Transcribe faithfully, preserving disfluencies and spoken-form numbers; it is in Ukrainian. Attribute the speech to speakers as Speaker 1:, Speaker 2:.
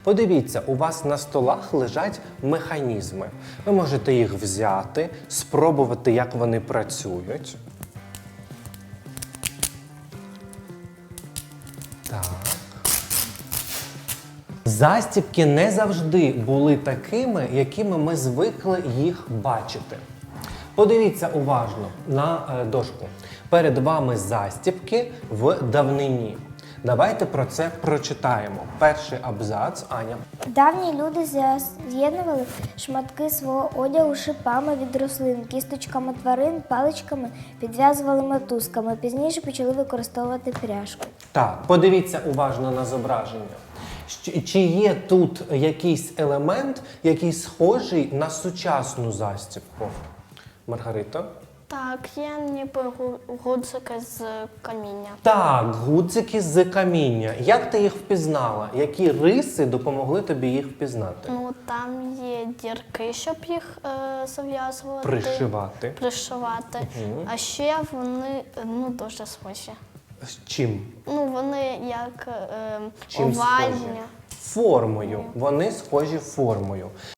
Speaker 1: Подивіться, у вас на столах лежать механізми. Ви можете їх взяти, спробувати, як вони працюють. Так. Застібки не завжди були такими, якими ми звикли їх бачити. Подивіться уважно на е, дошку. Перед вами застібки в давнині. Давайте про це прочитаємо. Перший абзац, Аня.
Speaker 2: Давні люди з'я- з'єднували шматки свого одягу шипами від рослин, кісточками тварин, паличками, підв'язували мотузками. Пізніше почали використовувати пряжку.
Speaker 1: Так, подивіться уважно на зображення. Щ- Чи є тут якийсь елемент, який схожий на сучасну застібку? Маргарита?
Speaker 3: Так, є ніби гу- гудзики з каміння.
Speaker 1: Так, гудзики з каміння. Як ти їх впізнала? Які риси допомогли тобі їх впізнати?
Speaker 3: Ну, там є дірки, щоб їх е, зав'язувати.
Speaker 1: Пришивати.
Speaker 3: Пришивати. А ще вони ну, дуже схожі.
Speaker 1: З чим?
Speaker 3: Ну, вони як е,
Speaker 1: Чим
Speaker 3: овальні.
Speaker 1: схожі? Формою. Вони схожі формою.